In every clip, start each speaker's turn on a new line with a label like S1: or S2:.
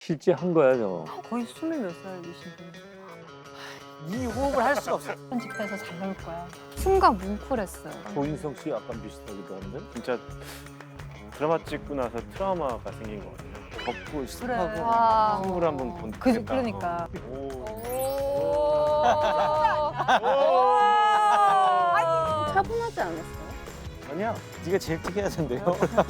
S1: 실제 한 거야 저거.
S2: 거의 20몇 살이신 분.
S3: 이 호흡을 할 수가 없어.
S2: 편집해서 잘 나올 거야.
S4: 순간 뭉클했어요.
S1: 조인성 씨 약간 비슷하기도 한데.
S5: 진짜 드라마 찍고 나서 트라우마가 생긴 것 같아요.
S1: 덥고 습하고.
S4: 와.
S5: 승부를 한번 본.
S2: 그러니까.
S4: 차분하지 않았어요?
S3: 아니야, 네가 제일 특이해야 된대요.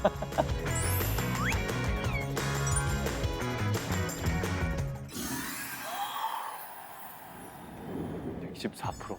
S5: 124%.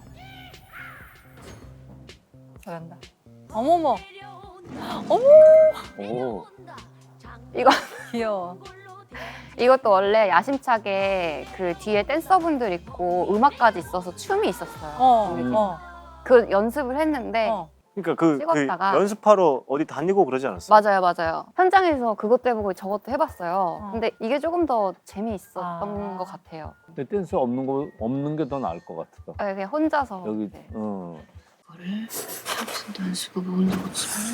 S2: 잘한다. 어머머. 어머.
S1: 오.
S4: 이거
S2: 귀여워.
S4: 이것도 원래 야심차게 그 뒤에 댄서분들 있고 음악까지 있어서 춤이 있었어요. 그 연습을 했는데
S5: 그러니까 그
S4: 찍었다가.
S5: 연습하러 어디 다니고 그러지 않았어요?
S4: 맞아요. 현장에서 그것 때문에 저것도 해봤어요. 근데 이게 조금 더 재미있었던 것 같아요.
S1: 근데 댄스 없는 게 더 나을 것 같다.
S4: 네, 그냥 혼자서.
S1: 여기
S4: 네.
S6: 이거를 평소도 안 쓰고 모은다고 치면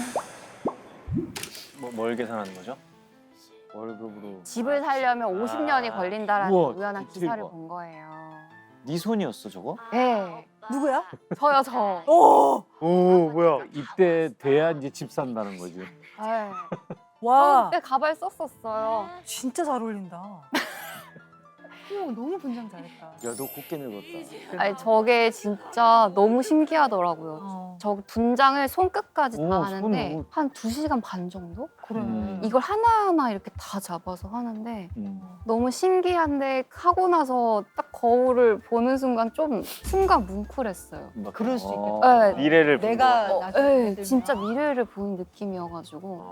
S5: 뭘 계산하는 거죠? 월급으로.
S4: 집을 살려면 50년이 걸린다라는
S1: 우와,
S4: 우연한
S1: 진짜
S4: 기사를
S1: 이거.
S4: 본 거예요.
S3: 네 손이었어 저거?
S4: 네.
S2: 누구야?
S4: 저요, 저.
S2: 오.
S5: 오 뭐야?
S1: 이때 돼야 이제 집 산다는 거지.
S4: 네.
S2: 와.
S4: 그때 가발 썼었어요.
S2: 진짜 잘 어울린다. 어머, 너무 분장 잘했다.
S3: 야, 너 곱게 늙었다.
S4: 아니, 저게 진짜 너무 신기하더라고요. 저 분장을 손끝까지
S1: 오,
S4: 다 하는데
S1: 손으로.
S4: 한 2시간 반 정도?
S2: 그래.
S4: 이걸 하나하나 이렇게 다 잡아서 하는데
S1: 음.
S4: 너무 신기한데 하고 나서 딱 거울을 보는 순간 좀 순간 뭉클했어요.
S2: 그럴 수 있겠다.
S4: 네.
S5: 미래를 본
S2: 내가
S5: 거.
S2: 나중에
S4: 네,
S2: 애들
S4: 진짜
S2: 막-
S4: 미래를 보는 느낌이어가지고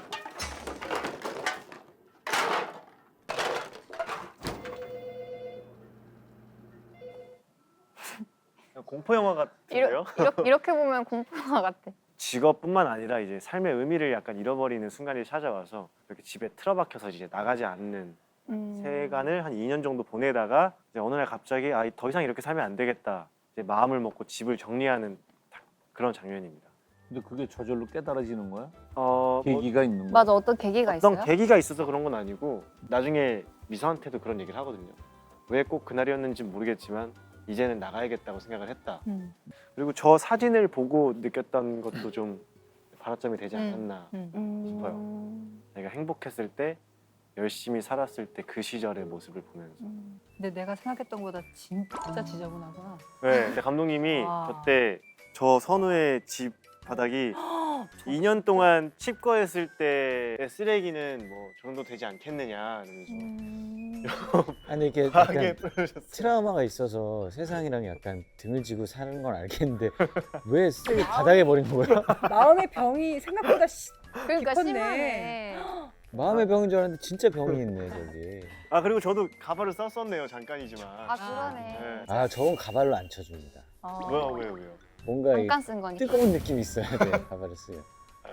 S5: 공포 영화 같은데요?
S4: 이렇게 보면 공포영화 같아.
S5: 직업뿐만 아니라 이제 삶의 의미를 약간 잃어버리는 순간이 찾아와서 이렇게 집에 틀어박혀서 이제 나가지 않는 세간을 한 2년 정도 보내다가 이제 어느 날 갑자기 더 이상 이렇게 살면 안 되겠다. 이제 마음을 먹고 집을 정리하는 그런 장면입니다.
S1: 근데 그게 저절로 깨달아지는 거야?
S5: 뭐
S1: 계기가 있는 거야?
S4: 맞아, 어떤 계기가
S5: 어떤
S4: 있어요?
S5: 계기가 있어서 그런 건 아니고 나중에 미서한테도 그런 얘기를 하거든요. 왜 꼭 그날이었는지 모르겠지만 이제는 나가야겠다고 생각을 했다. 그리고 저 사진을 보고 느꼈던 것도 좀 발화점이 되지 않았나 싶어요. 내가 행복했을 때 열심히 살았을 때 그 시절의 모습을 보면서
S2: 근데 내가 생각했던 것보다 진짜 지저분하구나.
S5: 네, 근데 감독님이
S2: 와.
S5: 저때 저 선우의 집 바닥이 2년 동안 칩거했을 때의 쓰레기는 뭐 저 정도 되지 않겠느냐 이러면서
S7: 아니 이게
S5: 과하게
S7: 약간
S5: 표현하셨어요.
S7: 트라우마가 있어서 세상이랑 약간 등을 지고 사는 건 알겠는데 왜 쓰레기 바닥에 버리는 거야?
S2: 마음의 병이 생각보다
S4: 그러니까
S2: 깊었네.
S4: 심하네.
S7: 마음의 병인 줄 알았는데 진짜 병이 있네 저기.
S5: 아 그리고 저도 가발을 썼었네요 잠깐이지만.
S4: 아, 그러네.
S5: 네.
S7: 아 저건 가발로 안 쳐줍니다.
S5: 왜요?
S7: 뭔가 이
S4: 잠깐 쓴 거니까.
S7: 뜨거운 느낌이 있어야 돼 가발을 쓰면.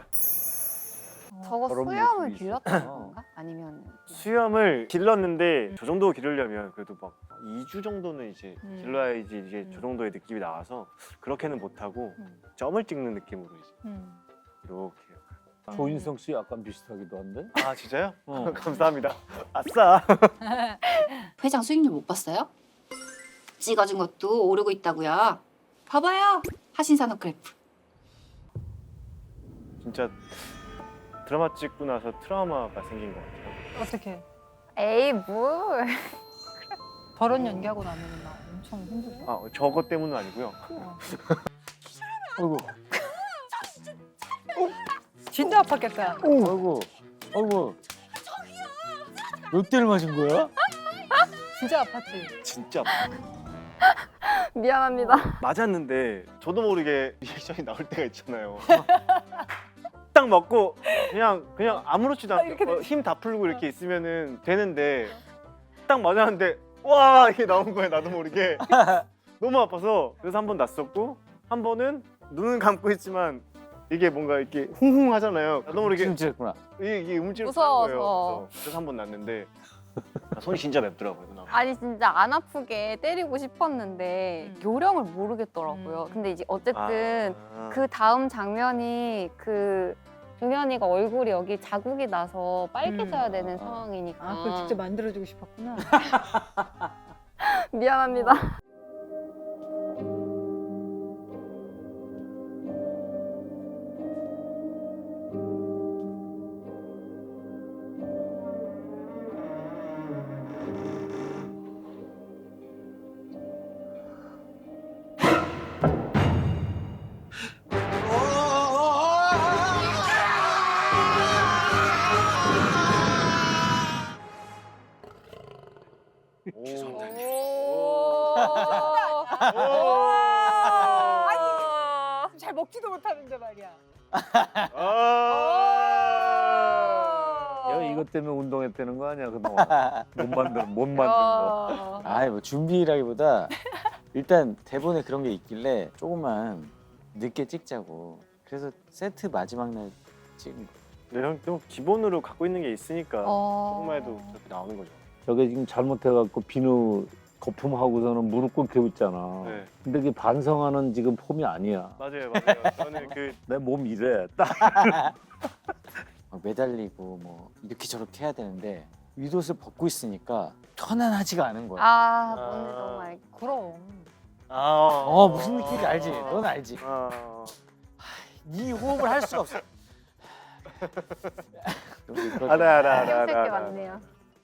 S4: 저거
S1: 저런
S4: 수염을
S1: 모습이
S4: 길렀던
S1: 있었구나.
S4: 건가? 아니면
S5: 수염을 길렀는데 저 정도 기르려면 그래도 막 2주 정도는 이제 길러야지 이제 저 정도의 느낌이 나와서 그렇게는 못하고 점을 찍는 느낌으로 이제 이렇게.
S1: 조인성 씨 약간 비슷하기도 한데.
S5: 아 진짜요?
S1: 어.
S5: 감사합니다. 아싸.
S6: 회장 수익률 못 봤어요? 찍어준 것도 오르고 있다고요. 봐봐요. 하신산업 그래프.
S5: 진짜 드라마 찍고 나서 트라우마가 생긴 것 같아요.
S2: 어떻게?
S4: 에이 뭘?
S2: 결혼 연기하고 나면 막 엄청 힘들어.
S5: 아 저것 때문은 아니고요.
S1: 아이고,
S2: 진짜 아팠겠다.
S1: 아이고, 아이고. 몇 대를 맞은 거야?
S2: 진짜 아팠지.
S5: 진짜
S4: 미안합니다.
S5: 맞았는데 저도 모르게 리액션이 나올 때가 있잖아요. 딱 맞고 그냥 아무렇지도 않게 힘 다 풀고 이렇게 있으면은 되는데 딱 맞았는데 와 이게 나온 거예요 나도 모르게. 너무 아파서 그래서 한 번 났었고 한 번은 눈은 감고 있지만 이게 뭔가 이렇게 쿵쿵 하잖아요. 나도 모르게
S1: 진짜구나.
S5: 이게 음질을
S4: 무서워서.
S5: 거예요. 그래서 한 번 났는데 손이 진짜 맵더라고요. 누나.
S4: 아니 진짜 안 아프게 때리고 싶었는데 요령을 모르겠더라고요. 근데 이제 어쨌든
S5: 아.
S4: 그 다음 장면이 그 종현이가 얼굴이 여기 자국이 나서 빨개져야 되는 상황이니까.
S2: 아, 그걸 직접 만들어주고 싶었구나.
S4: 미안합니다.
S2: 잘 먹지도 못하는데 말이야.
S1: 야, 이것 때문에 운동했다는 거 아니야 그동안? 못 만든 거.
S7: 아이 뭐 준비라기보다 일단 대본에 그런 게 있길래 조금만 늦게 찍자고. 그래서 세트 마지막 날 찍은 거.
S5: 네, 형 또 기본으로 갖고 있는 게 있으니까 조금만 해도 저렇게 나오는 거죠.
S1: 저게 지금 잘못해갖고 비누 거품하고서는 무릎 꿇게 웃잖아.
S5: 네.
S1: 근데 그게 반성하는 지금 폼이 아니야.
S5: 맞아요. 저는 그
S1: 내 몸 이래. 딱.
S7: 막 매달리고 뭐 이렇게 저렇게 해야 되는데 윗옷을 벗고 있으니까 편안하지가 않은 거야.
S4: 아, 뭔지 너무 알겠.
S2: 그럼.
S7: 무슨 느낌인지 알지? 넌 알지? 이 호흡을 할 수가 없어.
S5: 알아.
S4: 끼었을 게 많네요.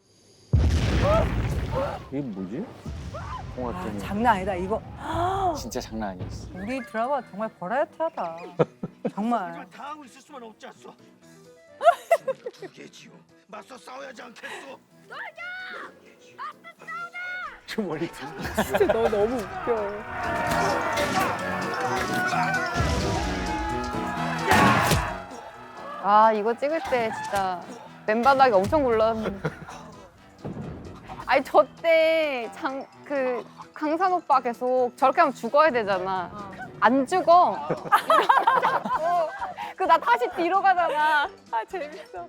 S1: 이게 뭐지?
S7: 공학 때문에
S2: 장난 아니다. 이거
S7: 진짜 장난 아니었어.
S2: 우리 드라마 정말 버라이어티하다. 정말.
S8: 당하고 있을 수만 없지 않소. 두개지요. 맞서 싸워야지 않겠소.
S5: 좀 머리
S2: 진짜 너 너무 웃겨.
S4: 아, 이거 찍을 때 진짜 맨바닥이 엄청 굴렀는데. 아니, 저 때 강산 오빠 계속 저렇게 하면 죽어야 되잖아. 안 죽어. 그 나 다시 뒤로 가잖아. 아, 재밌어.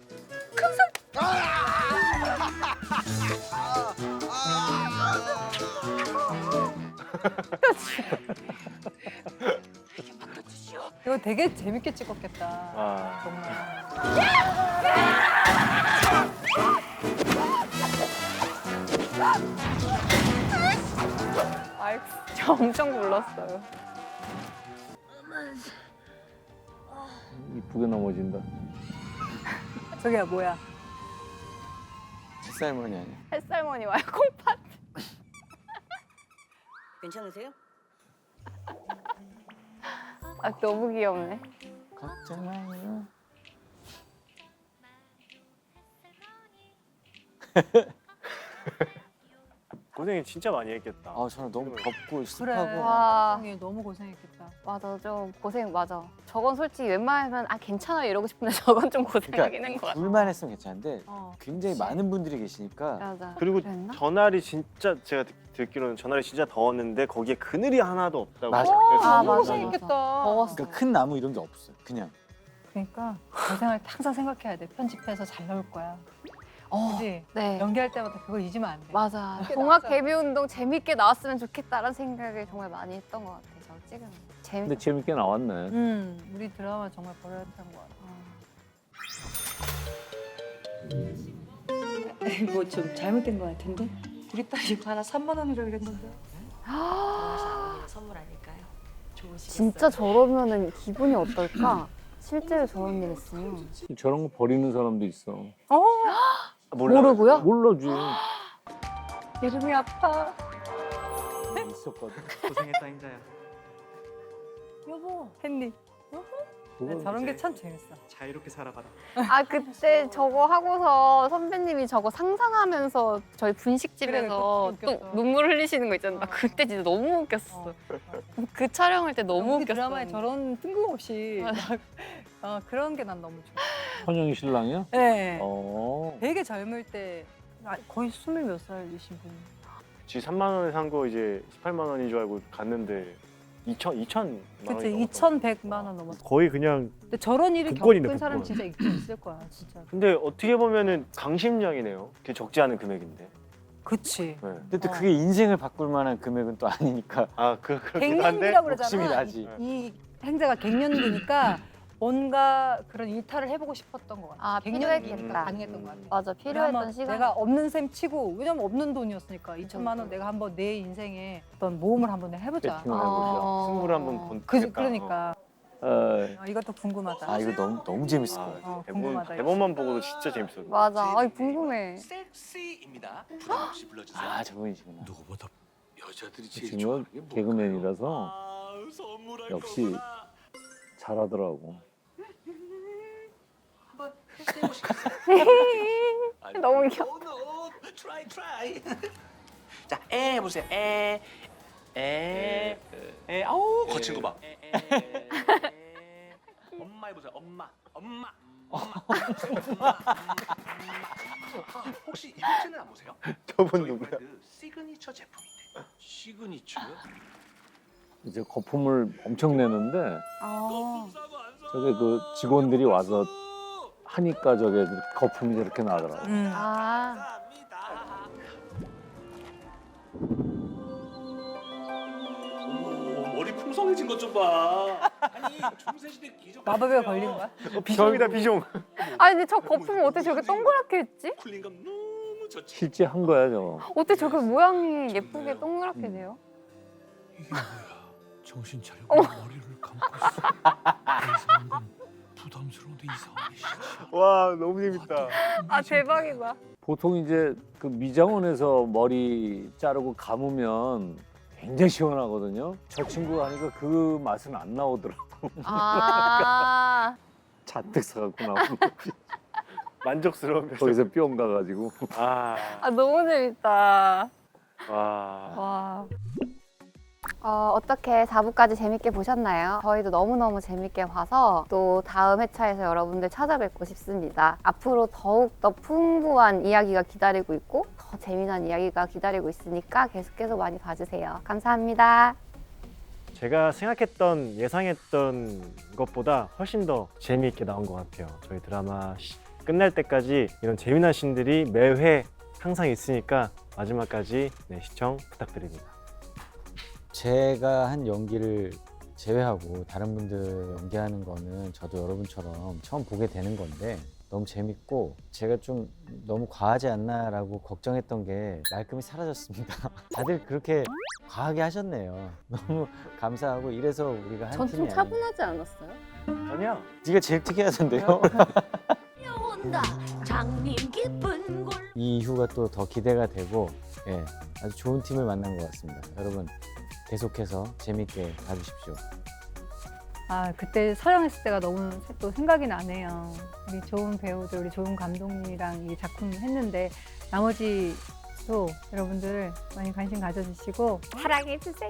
S2: 이거 되게 재밌게 찍었겠다. 정말.
S4: 아이고, 저 엄청 굴렀어요.
S1: 이쁘게 넘어진다.
S2: 저기야 뭐야?
S7: 햇살머니 아니야?
S4: 햇살머니 와요, 콩팥.
S9: 괜찮으세요?
S4: 아, 너무 귀엽네.
S7: 걱정 마요.
S5: 고생이 진짜 많이 했겠다.
S7: 저는 너무 덥고
S2: 그래.
S7: 습하고.
S4: 와.
S2: 형이 너무 고생했겠다.
S4: 맞아, 좀 고생 맞아. 저건 솔직히 웬만하면 괜찮아요 이러고 싶은데 저건 좀 고생하긴 한 것 같아.
S7: 둘만 했으면 괜찮은데
S2: 어.
S7: 굉장히 많은 분들이 계시니까
S4: 맞아.
S5: 그리고
S4: 그랬나?
S5: 전날이 진짜 제가 듣기로는 전날이 진짜 더웠는데 거기에 그늘이 하나도 없다고.
S7: 맞아.
S5: 그래서
S4: 아,
S2: 너무
S4: 맞아.
S2: 고생했겠다.
S4: 더웠어.
S7: 그러니까 큰 나무 이런 게 없어요. 그냥
S2: 그러니까 고생할 때 항상 생각해야 돼. 편집해서 잘 나올 거야. 그지?
S4: 네.
S2: 연기할 때마다 그걸 잊으면 안 돼.
S4: 맞아.
S2: 그렇게
S4: 동학
S2: 나왔어요.
S4: 데뷔 운동 재밌게 나왔으면 좋겠다라는 생각을 정말 많이 했던 것 같아. 저 찍으면.
S1: 근데 재밌게 나왔네.
S2: 우리 드라마 정말 버라이어티한 것 같아.
S6: 뭐 좀 잘못된 것 같은데? 우리 딸 이거 하나 3만 원이라 그랬는데. 선물 아닐까요? 좋으시겠어요?
S4: 진짜 저러면은 기분이 어떨까? 실제로 저런 일 했으면.
S1: 저런 거 버리는 사람도 있어.
S4: 모르고요?
S1: 몰라지.
S4: 이름이 아파.
S1: 있었거든.
S8: 고생했다 인자야.
S2: 여보, 햇니.
S1: 그건
S2: 저런 게 참 재밌어.
S8: 자유롭게 살아봐라.
S4: 아, 그때 저거 하고서 선배님이 저거 상상하면서 저희
S2: 그래,
S4: 분식집에서
S2: 그때
S4: 또
S2: 웃겼어.
S4: 눈물 흘리시는 거 있잖아. 나 그때 진짜 너무 웃겼어. 그 촬영할 때 너무
S2: 우리
S4: 웃겼어.
S2: 드라마에 저런 뜬금없이
S4: 맞아.
S2: 그런 게 난 너무 좋아.
S1: 현영이 신랑이야?
S2: 네. 되게 젊을 때 거의 20몇 살이신 분.
S5: 지 3만 원에 산 거 이제 18만 원인 줄 알고 갔는데 2천만
S2: 그치,
S5: 원이
S2: 2,100만 원 넘었어.
S5: 거의 그냥.
S2: 근데 저런 일을
S5: 복권이네,
S2: 겪은 사람
S5: 복권.
S2: 진짜 있을 거야, 진짜.
S5: 근데 어떻게 보면은 강심장이네요. 그게 적지 않은 금액인데.
S2: 그치.
S5: 네.
S7: 근데 또 그게 인생을 바꿀 만한 금액은 또 아니니까
S5: 그렇긴 한데.
S2: 갱년기라고
S7: 욕심이
S2: 그러잖아.
S7: 나지.
S2: 이 행자가 갱년기니까 뭔가 그런 일탈을 해보고 싶었던 것 같아.
S4: 아,
S2: 갱년기니까
S4: 필요했겠다.
S2: 가능했던 것 같아.
S4: 맞아,
S2: 내가
S4: 필요했던
S2: 한번
S4: 시간.
S2: 내가 없는 셈 치고 왜냐면 없는 돈이었으니까 2천만 원 내가 한번 내 인생에 어떤 모험을 한번 해보자.
S1: 세팅을 해보자.
S5: 승부를 한번 본.
S2: 그러니까 이것도 궁금하다.
S7: 아 이거 너무 재밌을 것 같아.
S2: 궁금하다.
S5: 대본만 보고도 진짜 재밌어요.
S4: 맞아. 아이, 궁금해.
S8: 섹시입니다. 부담 없이 불러주세요.
S7: 아 저분이시구나.
S8: 누구보다 여자들이
S1: 그 친구가 개그맨이라서 역시 잘하더라고.
S8: 한번 테스트해 보시겠어요?
S4: 너무 귀여워.
S8: 트라이. 자, 에 보세요. 아우 거친 거 봐. 엄마 해보세요. 엄마. 혹시 이 버튼은 안 보세요?
S5: 저분
S8: 저희
S5: 누구야?
S8: 브랜드 시그니처 제품인데. 시그니처?
S1: 이제 거품을 엄청 내는데
S4: 아,
S1: 저게 그 직원들이 와서 하니까 저게 거품이 저렇게 나더라고.
S4: 아.
S8: 머리 풍성해진 것 좀 봐. 아니 중세시대 기적.
S2: 마법에 걸린 거야?
S5: 비숑이다 비숑.
S4: 아니, 근데 저 거품 어떻게 저렇게 동그랗게 했지?
S8: 쿨링감 너무 좋지.
S1: 실제 한 거야 저거.
S4: 어떻게 저렇게 모양이 예쁘게 동그랗게 돼요?
S8: 이게 뭐야? 정신 차려. 머리를 감고 있어. 이상한 건 부담스러운데 이상하게 싫어.
S5: 와 너무 재밌다.
S4: 아, 대박이다.
S1: 보통 이제 그 미장원에서 머리 자르고 감으면 굉장히 시원하거든요. 저 친구가 하니까 그 맛은 안 나오더라고.
S4: 아,
S1: 잔뜩 사갖고 나오고
S5: 만족스러운 표정.
S1: 거기서 뿅 가가지고.
S5: 아,
S4: 너무 재밌다.
S5: 와.
S4: 와. 어떻게 4부까지 재밌게 보셨나요? 저희도 너무너무 재밌게 봐서 또 다음 회차에서 여러분들 찾아뵙고 싶습니다. 앞으로 더욱더 풍부한 이야기가 기다리고 있고 더 재미난 이야기가 기다리고 있으니까 계속해서 많이 봐주세요. 감사합니다.
S5: 제가 생각했던 예상했던 것보다 훨씬 더 재미있게 나온 것 같아요. 저희 드라마 끝날 때까지 이런 재미난 씬들이 매회 항상 있으니까 마지막까지 시청 부탁드립니다.
S7: 제가 한 연기를 제외하고 다른 분들 연기하는 거는 저도 여러분처럼 처음 보게 되는 건데 너무 재밌고 제가 좀 너무 과하지 않나라고 걱정했던 게 말끔히 사라졌습니다. 다들 그렇게 과하게 하셨네요. 너무 감사하고 이래서 우리가 한
S4: 전
S7: 팀이
S4: 좀
S7: 아니에요.
S4: 차분하지 않았어요?
S5: 아니야.
S7: 네가 제일 특이하던데요?
S6: 장님 기쁜 골
S7: 이 이후가 또 더 기대가 되고 아주 좋은 팀을 만난 것 같습니다. 여러분 계속해서 재밌게 봐주십시오.
S2: 아 그때 촬영했을 때가 너무 또 생각이 나네요. 우리 좋은 배우들, 우리 좋은 감독님이랑 이 작품 했는데 나머지도 여러분들 많이 관심 가져주시고 사랑해주세요.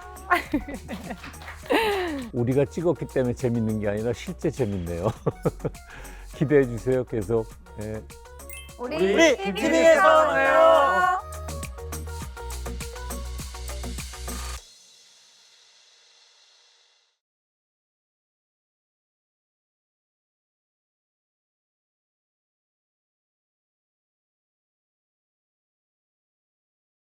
S1: 우리가 찍었기 때문에 재밌는 게 아니라 실제 재밌네요. 기대해 주세요. 계속.
S4: 우리
S5: TV에서 만나요.